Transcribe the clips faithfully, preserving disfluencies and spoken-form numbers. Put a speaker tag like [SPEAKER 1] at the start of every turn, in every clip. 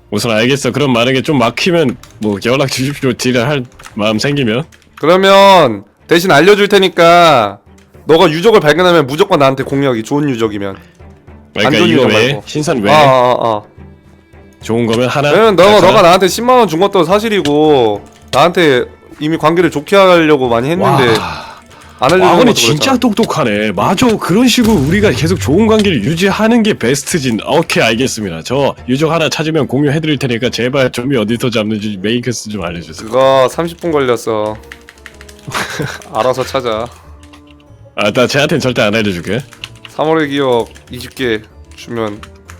[SPEAKER 1] 우선 알겠어. 그럼 만약에 좀 막히면 뭐 연락 주십시오. 딜을 할 마음 생기면.
[SPEAKER 2] 그러면 대신 알려줄 테니까 너가 유적을 발견하면 무조건 나한테 공유하기. 좋은 유적이면.
[SPEAKER 1] 그러니까
[SPEAKER 2] 안 좋은
[SPEAKER 1] 이거
[SPEAKER 2] 유적
[SPEAKER 1] 왜?
[SPEAKER 2] 말고.
[SPEAKER 1] 신선 왜?
[SPEAKER 2] 아, 아, 아.
[SPEAKER 1] 좋은 거면 하나.
[SPEAKER 2] 왜냐면 너가
[SPEAKER 1] 하나?
[SPEAKER 2] 너가 나한테 십만 원 준 것도 사실이고 나한테 이미 관계를 좋게 하려고 많이 했는데
[SPEAKER 1] 와.
[SPEAKER 2] 안 알려주는
[SPEAKER 1] 아버님
[SPEAKER 2] 것도
[SPEAKER 1] 진짜
[SPEAKER 2] 그랬잖아.
[SPEAKER 1] 똑똑하네. 맞아. 그런 식으로 우리가 계속 좋은 관계를 유지하는 게 베스트진. 오케이, 알겠습니다. 저 유적 하나 찾으면 공유해드릴 테니까 제발 좀이 어디서 잡는지 메인 퀘스트 좀 알려주세요.
[SPEAKER 2] 그거 삼십 분 걸렸어. 알아서 찾아.
[SPEAKER 1] 아, 나 쟤한테는 절대 안 알려줄게.
[SPEAKER 2] 삼월의 기억 이십 개 주면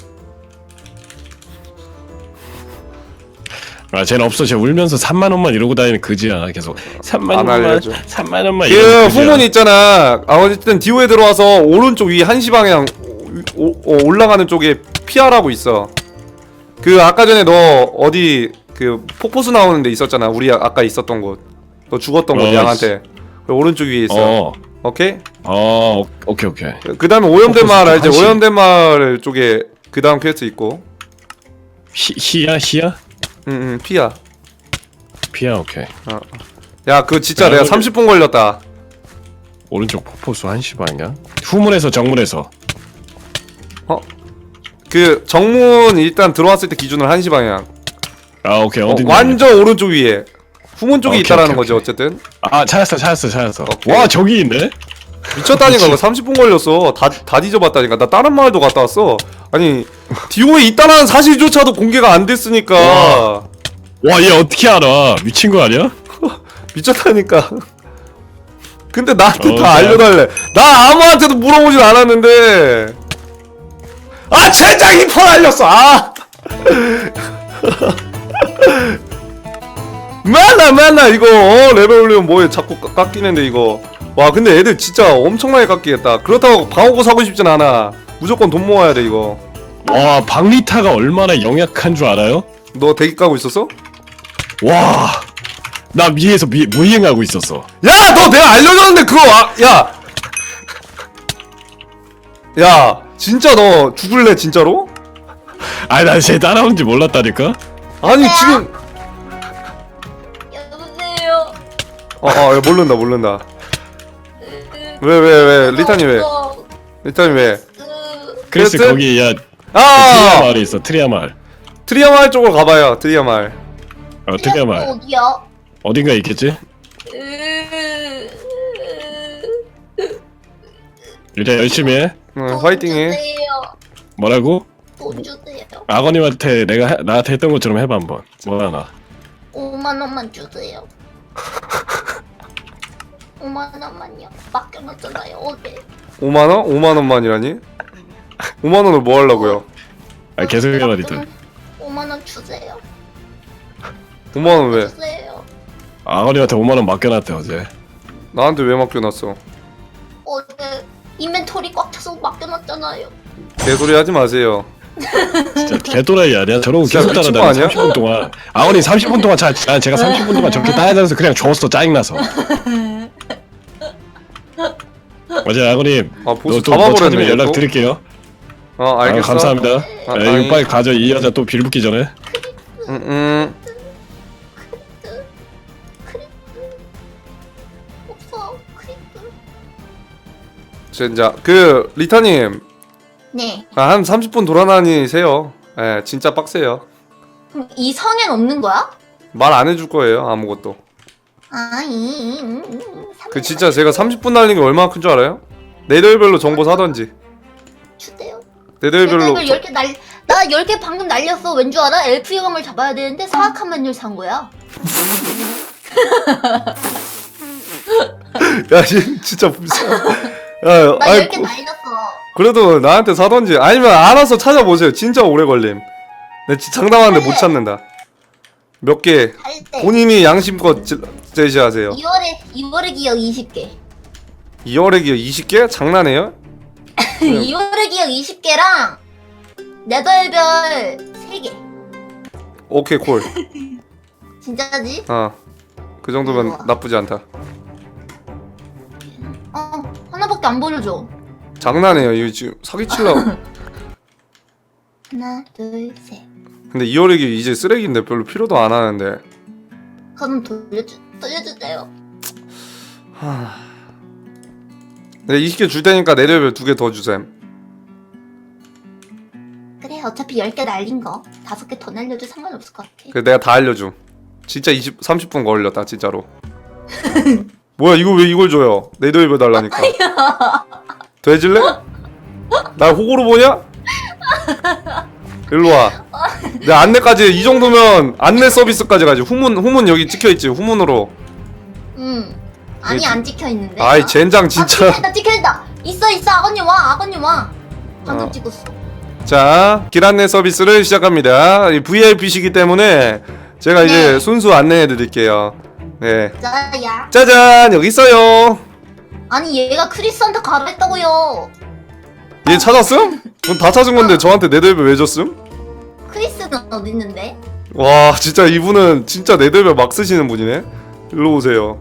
[SPEAKER 1] 아, 쟤는 없어. 쟤 울면서 삼만 원만 이러고 다니는 그지야. 계속 삼만
[SPEAKER 2] 안
[SPEAKER 1] 원만,
[SPEAKER 2] 알려줘.
[SPEAKER 1] 삼만 원만
[SPEAKER 2] 그
[SPEAKER 1] 이러는 그지야.
[SPEAKER 2] 후문 있잖아. 아, 어쨌든 디오에 들어와서 오른쪽 위 한시 방향 오, 오, 올라가는 쪽에 피아라고 있어. 그 아까 전에 너 어디 그 폭포수 나오는 데 있었잖아. 우리 아, 아까 있었던 곳. 너 죽었던 곳
[SPEAKER 1] 어,
[SPEAKER 2] 양한테. 그 오른쪽 위에 있어.
[SPEAKER 1] 어,
[SPEAKER 2] 오케이?
[SPEAKER 1] 어, 오케이, 오케이.
[SPEAKER 2] 그 다음에 오염된 마을 알지?
[SPEAKER 1] 한시.
[SPEAKER 2] 오염된 마을 쪽에 그 다음 퀘스트 있고.
[SPEAKER 1] 히, 히야, 히야?
[SPEAKER 2] 응응 피아.
[SPEAKER 1] 피야, 오케이.
[SPEAKER 2] 어. 야 그거 진짜
[SPEAKER 1] 야,
[SPEAKER 2] 내가
[SPEAKER 1] 오늘-
[SPEAKER 2] 삼십 분 걸렸다.
[SPEAKER 1] 오른쪽 폭포수 한시 방향. 후문에서 정문에서.
[SPEAKER 2] 그 정문 일단 들어왔을 때 기준으로 한시 방향.
[SPEAKER 1] 아, 오케이.
[SPEAKER 2] 어,
[SPEAKER 1] 어디?
[SPEAKER 2] 완전 오른쪽 위에. 후문 쪽에
[SPEAKER 1] 오케이,
[SPEAKER 2] 있다라는
[SPEAKER 1] 오케이,
[SPEAKER 2] 거지
[SPEAKER 1] 오케이.
[SPEAKER 2] 어쨌든.
[SPEAKER 1] 아, 찾았어, 찾았어, 찾았어.
[SPEAKER 2] 오케이.
[SPEAKER 1] 와, 저기 있네.
[SPEAKER 2] 미쳤다니까. 그거 삼십 분 걸렸어. 다, 다 뒤져봤다니까. 나 다른 마을도 갔다 왔어. 아니 디오에 있다는 사실조차도 공개가 안 됐으니까.
[SPEAKER 1] 와. 와, 얘 어떻게 알아? 미친 거 아니야?
[SPEAKER 2] 미쳤다니까. 근데 나한테
[SPEAKER 1] 어,
[SPEAKER 2] 다
[SPEAKER 1] 그래.
[SPEAKER 2] 알려달래. 나 아무한테도 물어보진 않았는데. 아 젠장 이 폰 알렸어. 아. 맨날 맨날 이거 어, 레벨 올리면 뭐해 자꾸 깎- 깎이는데 이거. 와 근데 애들 진짜 엄청나게 깎이겠다. 그렇다고 방어구 사고 싶진 않아. 무조건 돈 모아야 돼 이거.
[SPEAKER 1] 와, 박리타가 얼마나 영약한 줄 알아요?
[SPEAKER 2] 너 대기 까고 있었어?
[SPEAKER 1] 와, 나 위에서 미, 무이행하고 있었어.
[SPEAKER 2] 야 너 내가 알려줬는데 그거 아, 야. 야 진짜 너 죽을래 진짜로?
[SPEAKER 1] 아니, 나쟤 따라오는지 몰랐다니까?
[SPEAKER 2] 아니 지금
[SPEAKER 3] 여보세요.
[SPEAKER 2] 어, 어, 모른다, 모른다. 왜, 왜, 왜, 리타님 왜? 리타님 왜?
[SPEAKER 1] 그래서
[SPEAKER 2] 그랬어?
[SPEAKER 1] 거기, 야, 트리아
[SPEAKER 2] 아!
[SPEAKER 1] 마을이 있어, 트리아 마을.
[SPEAKER 2] 트리아 마을 쪽으로 가봐요, 트리아 마을.
[SPEAKER 1] 어, 트리아 마을.
[SPEAKER 3] 어디야?
[SPEAKER 1] 어딘가 있겠지? 일단 열심히 해.
[SPEAKER 2] 응, 화이팅 해.
[SPEAKER 3] 주세요.
[SPEAKER 1] 뭐라고?
[SPEAKER 3] 돈 주세요.
[SPEAKER 1] 아버님한테 내가 해, 나한테 했던 것처럼 해봐 한번. 뭐 하나.
[SPEAKER 3] 오만 원만 주세요. 오만 원만요. 맡겨놨잖아요 어제.
[SPEAKER 2] 오만 원? 오만 원만이라니? 오만 원을 뭐 하려고요?
[SPEAKER 1] 아, 계속 해봐, 리타.
[SPEAKER 3] 오만 원 주세요.
[SPEAKER 2] 오만 원 왜?
[SPEAKER 3] 주세요.
[SPEAKER 1] 아버님한테 오만 원 맡겨놨대, 어제.
[SPEAKER 2] 나한테 왜 맡겨놨어?
[SPEAKER 3] 어제 인벤토리 꽉 차서 맡겨놨잖아요.
[SPEAKER 2] 개소리 하지 마세요.
[SPEAKER 1] 진짜 개또라이 아니야? 저러고
[SPEAKER 2] 진짜
[SPEAKER 1] 계속
[SPEAKER 2] 미친 거
[SPEAKER 1] 따라다니
[SPEAKER 2] 아니야?
[SPEAKER 1] 삼십 분 동안. 아버님 삼십 분 동안 자, 난 제가 삼십 분 동안 저렇게 따라다녀서 그냥 줬어, 짜증나서. 맞아요, 아버님.
[SPEAKER 2] 아, 보스
[SPEAKER 1] 또, 뭐
[SPEAKER 2] 잡아버렸네,
[SPEAKER 1] 찾으면 연락
[SPEAKER 2] 또?
[SPEAKER 1] 드릴게요.
[SPEAKER 2] 어,
[SPEAKER 1] 아,
[SPEAKER 2] 알겠어.
[SPEAKER 1] 감사합니다.
[SPEAKER 2] 아,
[SPEAKER 1] 아,
[SPEAKER 2] 다행히.
[SPEAKER 1] 이거 빨리 가져. 이 여자 또 빌붙기 전에.
[SPEAKER 2] 응, 응.
[SPEAKER 3] 없어. 크리프.
[SPEAKER 2] 진짜, 그, 리타님.
[SPEAKER 3] 네.
[SPEAKER 2] 아, 한 삼십 분 돌아다니세요. 예, 진짜 빡세요.
[SPEAKER 3] 그럼 이 성엔 없는 거야?
[SPEAKER 2] 말 안 해줄 거예요, 아무것도.
[SPEAKER 3] 아, 이, 음, 음,
[SPEAKER 2] 그 진짜 제가 삼십 분 날린 게 얼마나 큰 줄 알아요? 네덜별로 정보 사던지.
[SPEAKER 3] 주세요.
[SPEAKER 2] 네덜별로
[SPEAKER 3] 열 개 날, 나 열 개 방금 날렸어. 왠 줄 알아? 엘프 여왕을 잡아야 되는데 사악한 마녀를 산 거야.
[SPEAKER 2] 야, 씨, 진짜 불쌍. 야,
[SPEAKER 3] 나
[SPEAKER 2] 아이,
[SPEAKER 3] 열 개 날렸어.
[SPEAKER 2] 그래도 나한테 사던지. 아니면 알아서 찾아보세요. 진짜 오래 걸림. 내 진짜 장담하는데 못 찾는다. 몇 개.
[SPEAKER 3] 할 때.
[SPEAKER 2] 본인이 양심껏 제- 제시하세요.
[SPEAKER 3] 이월에 이월의 기억 이십 개.
[SPEAKER 2] 이월의 기어 이십 개? 장난해요?
[SPEAKER 3] 이월의 기억 이십 개랑 네덜별 세 개.
[SPEAKER 2] 오케이, 콜.
[SPEAKER 3] 진짜지?
[SPEAKER 2] 어. 그 정도면
[SPEAKER 3] 우와.
[SPEAKER 2] 나쁘지 않다.
[SPEAKER 3] 어, 하나밖에 안 보여줘.
[SPEAKER 2] 장난해요. 이거 지금 사기치려고.
[SPEAKER 3] 하나, 둘, 셋.
[SPEAKER 2] 근데 이어리기 이제 쓰레기인데 별로 필요도 안 하는데.
[SPEAKER 3] 그럼 돌려주 돌려주세요.
[SPEAKER 2] 하... 내가 이십 개 줄 테니까 내 레벨 두 개 더 주셈.
[SPEAKER 3] 그래 어차피 열 개 날린 거 다섯 개 더 날려도 상관없을 것 같아.
[SPEAKER 2] 그래 내가 다 알려줌. 진짜 이십, 삼십 분 걸렸다 진짜로. 뭐야 이거 왜 이걸 줘요? 내 레벨 달라니까. 돼질래? 날 호구로 보냐? 일로와. 내 안내까지 이 정도면 안내 서비스까지 가지. 후문 후문 여기 찍혀있지 후문으로.
[SPEAKER 3] 응. 아니
[SPEAKER 2] 이게-
[SPEAKER 3] 안 찍혀 있는데.
[SPEAKER 2] 아이 젠장
[SPEAKER 3] 아,
[SPEAKER 2] 진짜.
[SPEAKER 3] 찍혀있다 찍혀있다. 있어 있어 아버님 와 아버님 와. 방금
[SPEAKER 2] 어.
[SPEAKER 3] 찍었어.
[SPEAKER 2] 자, 길 안내 서비스를 시작합니다. 브이아이피시기 때문에 제가 이제
[SPEAKER 3] 네.
[SPEAKER 2] 순수 안내해 드릴게요. 네.
[SPEAKER 3] 자야.
[SPEAKER 2] 짜잔! 여기 있어요.
[SPEAKER 3] 아니 얘가 크리스한테 가라 했다고요.
[SPEAKER 2] 얘 찾았음? 그럼 다 찾은 건데 저한테 네덜벨 왜 줬음?
[SPEAKER 3] 크리스는 어디 있는데?
[SPEAKER 2] 와, 진짜 이분은 진짜 네덜벨 막 쓰시는 분이네. 일로 오세요.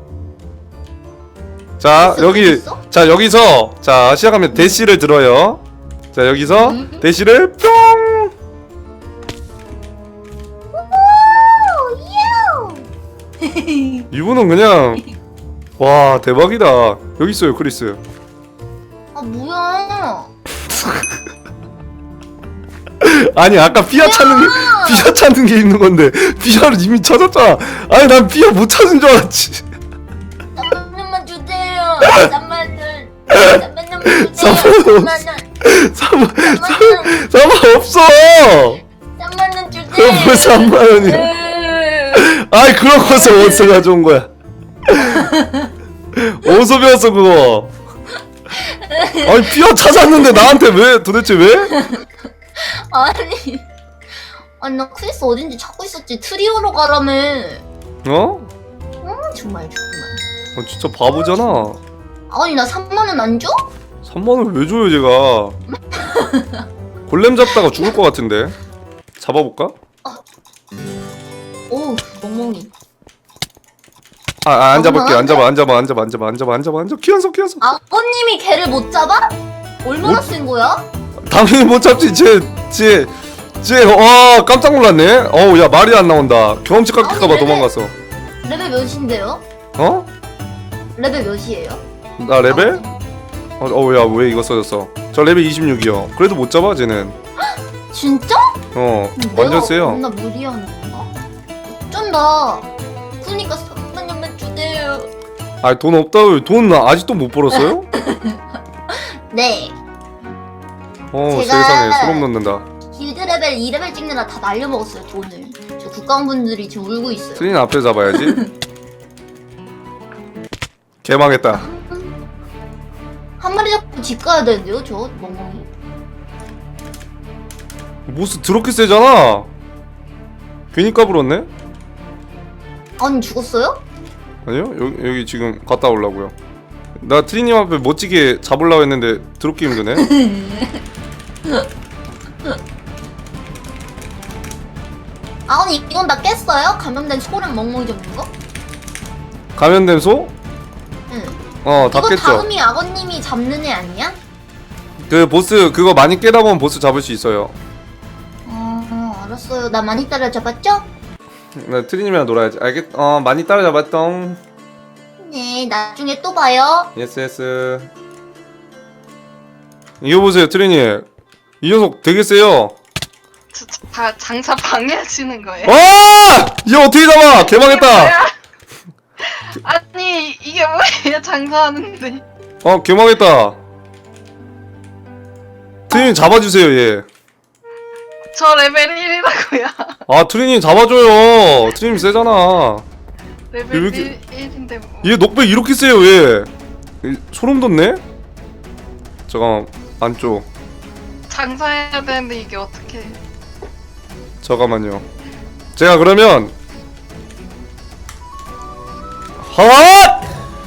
[SPEAKER 2] 자,
[SPEAKER 3] 크리스
[SPEAKER 2] 여기
[SPEAKER 3] 어디 있어?
[SPEAKER 2] 자, 여기서 자, 시작하면 대시를 들어요. 자, 여기서
[SPEAKER 3] 음.
[SPEAKER 2] 대시를 뿅!
[SPEAKER 3] 오, 유.
[SPEAKER 2] 이분은 그냥 와, 대박이다. 여기 있어요, 크리스.
[SPEAKER 3] 아 뭐야?
[SPEAKER 2] 아니 아까 피아 찾는 게 피아 찾는 게 있는 건데 피아를 이미 찾았잖아. 아니 난 피아 못 찾은 줄 알았지.
[SPEAKER 3] 삼만원만 주세요. 삼만원. 삼만원만 주세요.
[SPEAKER 2] 삼만원.
[SPEAKER 3] 삼만원.
[SPEAKER 2] 삼만
[SPEAKER 3] 삼만원.
[SPEAKER 2] 삼만 없어.
[SPEAKER 3] 삼만원 주세요.
[SPEAKER 2] 그럼 뭐 삼만 원이야. 아이 그런 것을 어디서 가져온 거야? 어디서 배웠어 그거? 아니 피아 찾았는데 나한테 왜 도대체 왜?
[SPEAKER 3] 아니. 아니 나 크리스 어딘지 찾고 있었지. 트리오로 가라며.
[SPEAKER 2] 어?
[SPEAKER 3] 음 정말 정말.
[SPEAKER 2] 어, 진짜 바보잖아.
[SPEAKER 3] 아니 나 삼만원 안 줘?
[SPEAKER 2] 삼만 원 왜 줘요 제가? 골렘 잡다가 죽을 것 같은데. 잡아볼까?
[SPEAKER 3] 오 멍멍이.
[SPEAKER 2] 아, 아, 안
[SPEAKER 3] 어,
[SPEAKER 2] 잡을게. 안
[SPEAKER 3] 그만한데?
[SPEAKER 2] 잡아, 안 잡아, 안 잡아, 안 잡아, 안 잡아, 안 잡아, 안 잡아. 키워서, 키워서.
[SPEAKER 3] 아버님이 걔를 못 잡아? 얼마나
[SPEAKER 2] 못-
[SPEAKER 3] 센 거야?
[SPEAKER 2] 당연히 못 잡지. 쟤, 쟤, 쟤. 와, 깜짝 놀랐네. 어우, 야 말이 안 나온다. 경험치 깎일까봐
[SPEAKER 3] 아니,
[SPEAKER 2] 도망갔어.
[SPEAKER 3] 레벨 몇인데요?
[SPEAKER 2] 어?
[SPEAKER 3] 레벨 몇이에요?
[SPEAKER 2] 나 레벨? 어, 어우, 야, 왜 이거 써졌어? 저 레벨 이십육이요. 그래도 못 잡아, 쟤는.
[SPEAKER 3] 진짜?
[SPEAKER 2] 어,
[SPEAKER 3] 내가
[SPEAKER 2] 완전 세요.
[SPEAKER 3] 나 무리하는 건가? 어쩐다. 그니까 삼만원만 주세요.
[SPEAKER 2] 아, 돈 없다고. 돈 아직도 못 벌었어요?
[SPEAKER 3] 네.
[SPEAKER 2] 어,
[SPEAKER 3] 제가-
[SPEAKER 2] 세상에 소름 돋는다.
[SPEAKER 3] 길드 레벨 이 레벨 찍느라 다 날려먹었어요 돈을. 저 국가원분들이 지금 울고 있어요.
[SPEAKER 2] 트린 앞에 잡아야지. 개망했다.
[SPEAKER 3] 한 마리 잡고 집 가야 되는데요 저 멍멍이.
[SPEAKER 2] 모스 드럽게 세잖아. 괜히 까불었네?
[SPEAKER 3] 아니 죽었어요?
[SPEAKER 2] 아니요, 여기, 여기 지금 갔다 오려고요. 나 트리님 앞에 멋지게 잡으려고 했는데 드럽게 힘드네.
[SPEAKER 3] 아니 이건 다 깼어요? 감염된 소랑 멍멍이 잡는 거?
[SPEAKER 2] 감염된 소?
[SPEAKER 3] 응.
[SPEAKER 2] 어, 다
[SPEAKER 3] 이거
[SPEAKER 2] 깼죠.
[SPEAKER 3] 다음이 아버님이 잡는 애 아니야?
[SPEAKER 2] 그 보스 그거 많이 깨다 보면 보스 잡을 수 있어요.
[SPEAKER 3] 어 알았어요. 나 많이 따라잡았죠?
[SPEAKER 2] 나 트리님이랑 놀아야지. 알겠? 어, 많이 따라잡았똥.
[SPEAKER 3] 네 나중에 또 봐요.
[SPEAKER 2] 예스 예스. 이거 보세요, 트리님. 이 녀석 되게 세요.
[SPEAKER 4] 저, 저, 다 장사 방해하시는 거예요?
[SPEAKER 2] 와! 얘 어떻게 잡아? 개망했다.
[SPEAKER 4] 뭐야? 아니 이게 뭐예요? 장사하는데
[SPEAKER 2] 어, 개망했다. 트리님 잡아주세요, 얘.
[SPEAKER 4] 저 레벨 일이라고요.
[SPEAKER 2] 아, 트리님 잡아줘요. 트리님 세잖아.
[SPEAKER 4] 레벨
[SPEAKER 2] 왜 이렇게-
[SPEAKER 4] 일, 일인데 뭐.
[SPEAKER 2] 얘 녹백 이렇게 세요, 얘. 이, 소름 돋네? 잠깐만, 안쪽.
[SPEAKER 4] 장사해야 되는데 이게 어떻게?
[SPEAKER 2] 잠깐만요. 제가 그러면 헛!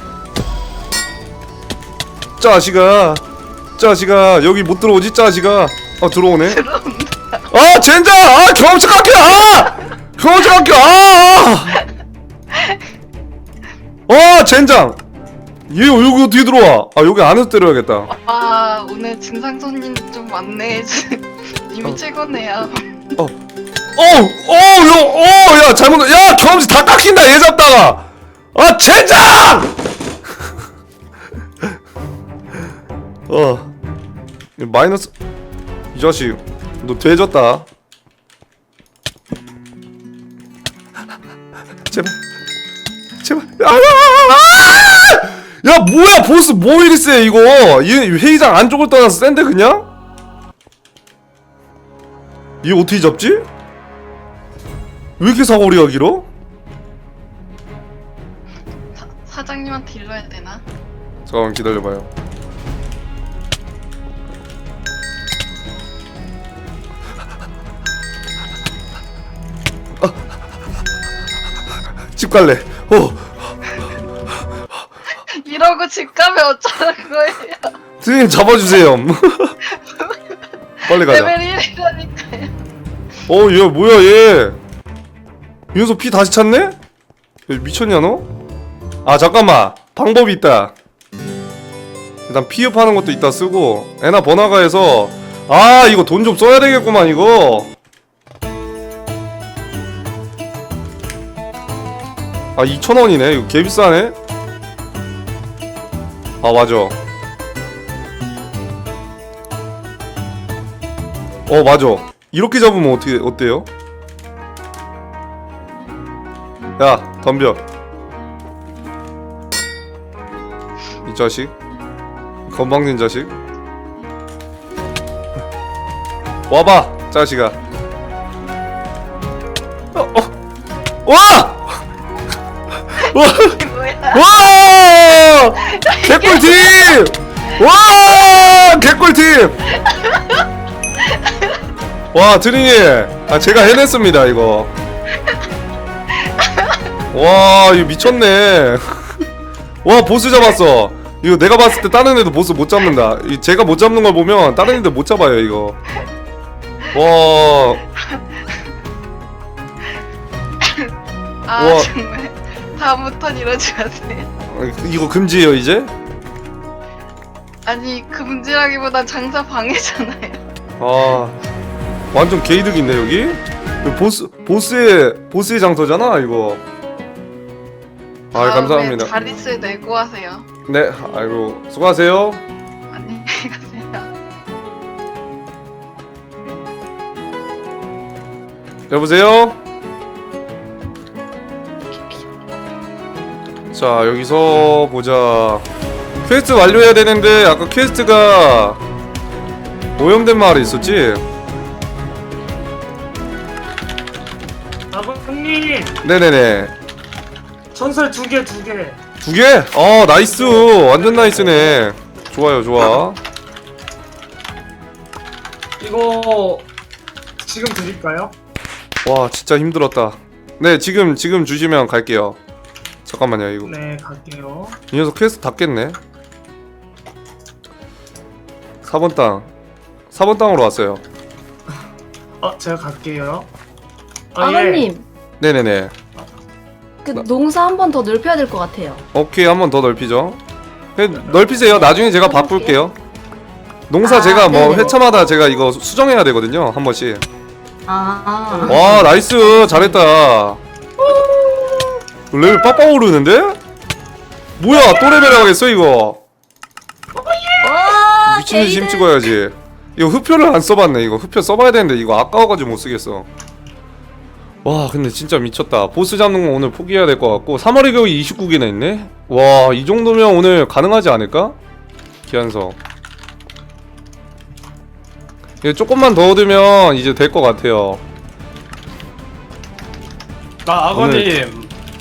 [SPEAKER 2] 짜식아, 짜식아, 여기 못 들어오지, 짜식아. 아, 들어오네.
[SPEAKER 4] 들어온다.
[SPEAKER 2] 아, 젠장! 아, 경험치 깎여! 아! 경험치 깎여! 아! 아, 젠장! 얘 여기 어떻게 들어와? 아, 여기 안에서 때려야겠다.
[SPEAKER 4] 와 오늘 진상 손님 좀 많네. 이미
[SPEAKER 2] 어.
[SPEAKER 4] 최고네요.
[SPEAKER 2] 어어야 잘못 야 경험치 다 깎인다 얘 잡다가 아 젠장 어 마이너스 이 자식 너 돼졌다 제발 제발 아, 아, 아! 야 뭐야 보스 뭐 이리 세 이거 얘 회의장 안쪽을 떠나서 센데 그냥 얘 어떻게 잡지? 왜 이렇게 사거리가 길어?
[SPEAKER 4] 사, 사장님한테 일러야 되나?
[SPEAKER 2] 잠깐만 기다려봐요. 아. 집 갈래. 어.
[SPEAKER 4] 이러고 집 가면 어쩌라는 거예요?
[SPEAKER 2] 선생님 잡아주세요. 빨리 가자.
[SPEAKER 4] 레벨 일이라니까요.
[SPEAKER 2] 어, 얘 뭐야 얘? 이 녀석 피 다시 찼네? 얘 미쳤냐 너? 아 잠깐만 방법이 있다. 일단 피업하는 것도 이따 쓰고 에나 번화가에서 아 이거 돈 좀 써야 되겠구만 이거. 아 이천 원이네 이거 개비싸네. 아 맞아. 어 맞아. 이렇게 잡으면 어떻게 어때요? 야 덤벼. 이 자식 건방진 자식 와봐 자식아. 어, 어. 와! 와!
[SPEAKER 4] 이게 뭐야?
[SPEAKER 2] 와! 개꿀팀! 와! 개꿀팀! 와 드린이 아 제가 해냈습니다 이거. 와 이거 미쳤네. 와 보스 잡았어. 이거 내가 봤을 때 다른 애도 보스 못 잡는다. 이 제가 못 잡는 걸 보면 다른 애들 못 잡아요 이거. 와.
[SPEAKER 4] 아
[SPEAKER 2] 우와.
[SPEAKER 4] 정말 다음부턴 이러지 마세요.
[SPEAKER 2] 이거 금지예요 이제?
[SPEAKER 4] 아니 금지라기보단 장사 방해잖아요.
[SPEAKER 2] 아 완전 개이득인데 여기? 이거 보스 보스의 보스의 장소잖아 이거. 아
[SPEAKER 4] 다음에
[SPEAKER 2] 감사합니다.
[SPEAKER 4] 자릿수 내고 하세요.
[SPEAKER 2] 네 아이고 수고하세요.
[SPEAKER 4] 안녕히 가세요.
[SPEAKER 2] 여보세요? 자 여기서 보자. 퀘스트 완료해야 되는데 아까 퀘스트가 오염된 마을에 있었지?
[SPEAKER 5] 아버님
[SPEAKER 2] 네네네.
[SPEAKER 5] 전설 두 개 두 개.
[SPEAKER 2] 두 개? 어 나이스 완전 나이스네. 좋아요 좋아.
[SPEAKER 5] 이거 지금 드릴까요?
[SPEAKER 2] 와 진짜 힘들었다. 네 지금 지금 주시면 갈게요. 잠깐만요 이거
[SPEAKER 5] 네 갈게요.
[SPEAKER 2] 이 녀석 퀘스트 닫겠네. 사 번 땅 사 번 땅으로 왔어요.
[SPEAKER 5] 어 제가 갈게요. 아, 예.
[SPEAKER 6] 아버님,
[SPEAKER 2] 네네네.
[SPEAKER 6] 그 농사 한 번 더 넓혀야 될 것 같아요.
[SPEAKER 2] 오케이 한 번 더 넓히죠. 네, 넓히세요. 나중에 제가 바꿀게요. 농사
[SPEAKER 6] 아,
[SPEAKER 2] 제가 뭐
[SPEAKER 6] 네네네.
[SPEAKER 2] 회차마다 제가 이거 수- 수정해야 되거든요 한 번씩.
[SPEAKER 6] 아,
[SPEAKER 2] 와 나이스 잘했다. 레벨 빡빡 오르는데? 뭐야 또 레벨 하겠어 이거.
[SPEAKER 6] 와,
[SPEAKER 2] 미친듯이 힘
[SPEAKER 6] 게이드.
[SPEAKER 2] 찍어야지. 이거 흡표를 안 써봤네. 이거 흡표 써봐야 되는데 이거 아까워가지고 못 쓰겠어. 와 근데 진짜 미쳤다. 보스 잡는 거 오늘 포기해야 될 것 같고 삼월의 겨울이 이십구 개나 있네? 와 이 정도면 오늘 가능하지 않을까? 기한석 이거 조금만 더 얻으면 이제 될 것 같아요.
[SPEAKER 7] 아 아버님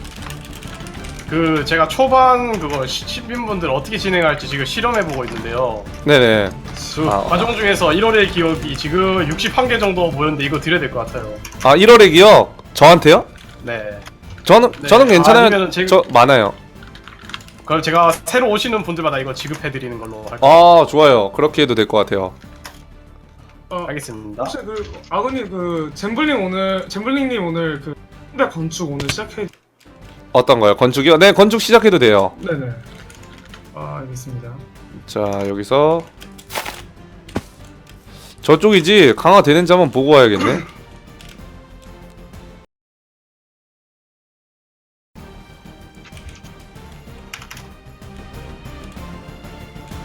[SPEAKER 7] 그 제가 초반 그거 시- 시민분들 어떻게 진행할지 지금 실험해보고 있는데요.
[SPEAKER 2] 네네.
[SPEAKER 7] 그
[SPEAKER 2] 아,
[SPEAKER 7] 과정 중에서 일월의 기억이 지금 육십일 개 정도 모였는데 이거 드려야 될 것 같아요.
[SPEAKER 2] 아 일월의 기억 저한테요?
[SPEAKER 7] 네.
[SPEAKER 2] 저는
[SPEAKER 7] 네.
[SPEAKER 2] 저는 괜찮아요.
[SPEAKER 7] 아니면은 제-
[SPEAKER 2] 저 많아요.
[SPEAKER 7] 그럼 제가 새로 오시는 분들마다 이거 지급해드리는 걸로 할게요.
[SPEAKER 2] 아 좋아요. 그렇게 해도 될 것 같아요.
[SPEAKER 5] 어,
[SPEAKER 7] 알겠습니다.
[SPEAKER 5] 혹시 그 아버님 그 잼블링 오늘 잼블링님 오늘 그 신발 건축 오늘 시작해.
[SPEAKER 2] 어떤 거요? 건축이요? 네 건축 시작해도 돼요.
[SPEAKER 5] 네네. 아 알겠습니다.
[SPEAKER 2] 자 여기서 저쪽이지 강화되는지 한번 보고 와야겠네.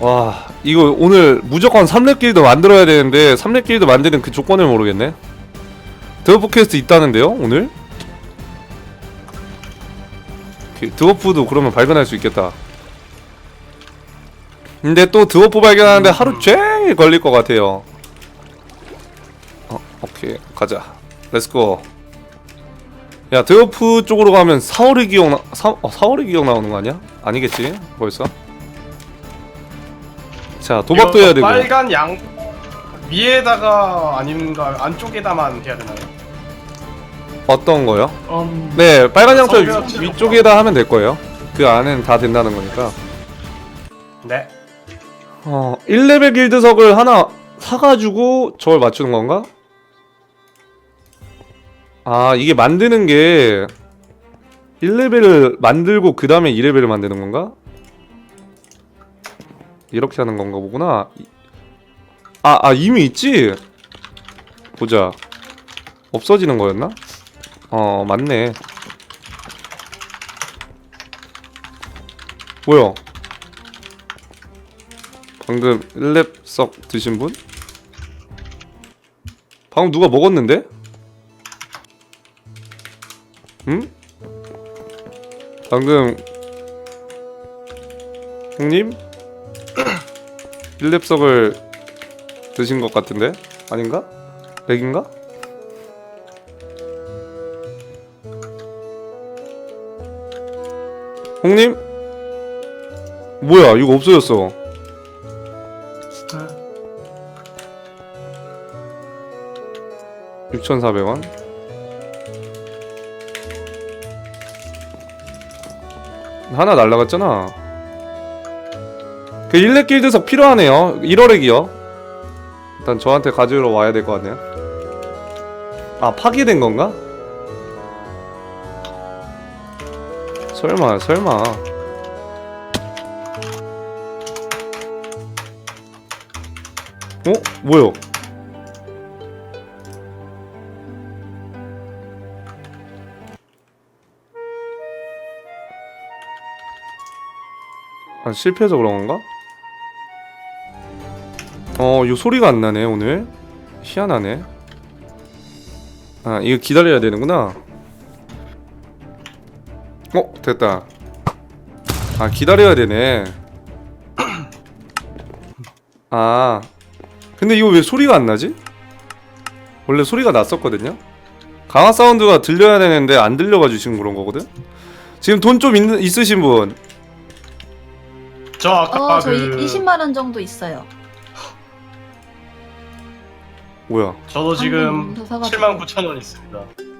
[SPEAKER 2] 와 이거 오늘 무조건 삼 렙 길드 만들어야 되는데 삼 렙 길드 만드는 그 조건을 모르겠네. 드워프 퀘스트 있다는데요 오늘? 드워프도 그러면 발견할 수 있겠다. 근데 또 드워프 발견하는데 하루 종일 걸릴 것 같아요. 어 오케이 가자 렛츠고. 야 드워프 쪽으로 가면 사월의 기억 나.. 사.. 어, 사월의 기억 나오는 거 아니야? 아니겠지 벌써? 자 도박도
[SPEAKER 7] 이거
[SPEAKER 2] 해야 되고.
[SPEAKER 7] 빨간 양 위에다가 아닌가 안쪽에다만 해야 되나요?
[SPEAKER 2] 어떤 거요?
[SPEAKER 5] 음,
[SPEAKER 2] 네 빨간 양털
[SPEAKER 7] 성벽
[SPEAKER 2] 위- 위쪽에다 하면 될 거예요. 그 안엔 다 된다는 거니까.
[SPEAKER 7] 네.
[SPEAKER 2] 어 일 레벨 길드석을 하나 사가지고 저걸 맞추는 건가? 아 이게 만드는 게 일 레벨을 만들고 그 다음에 이 레벨을 만드는 건가? 이렇게 하는 건가 보구나. 아, 아 이미 있지? 보자. 없어지는 거였나? 어 맞네. 뭐야? 방금 일 렙 석 드신 분? 방금 누가 먹었는데? 응? 방금 형님? 일 렙 석을 드신 것 같은데? 아닌가? 렉인가? 형님? 뭐야 이거 없어졌어. 육천사백 원. 하나 날라갔잖아. 그 일 렙 길드석 필요하네요. 일월액이요. 일단 저한테 가지러 와야 될 것 같네요. 아 파괴된 건가? 설마 설마. 어? 뭐요? 아 실패해서 그런 건가? 어, 이 소리가 안 나네 오늘. 희한하네. 아 이거 기다려야 되는구나. 어 됐다. 아 기다려야 되네. 아 근데 이거 왜 소리가 안 나지? 원래 소리가 났었거든요. 강화 사운드가 들려야 되는데 안 들려가지고 지금 그런 거거든. 지금 돈 좀 있으신 분?
[SPEAKER 7] 저 아까
[SPEAKER 6] 어, 저
[SPEAKER 7] 그
[SPEAKER 6] 이십만 원 정도 있어요.
[SPEAKER 2] 뭐야?
[SPEAKER 7] 저도 지금
[SPEAKER 6] 방금 사가지고.
[SPEAKER 7] 칠만 구천 원 있습니다.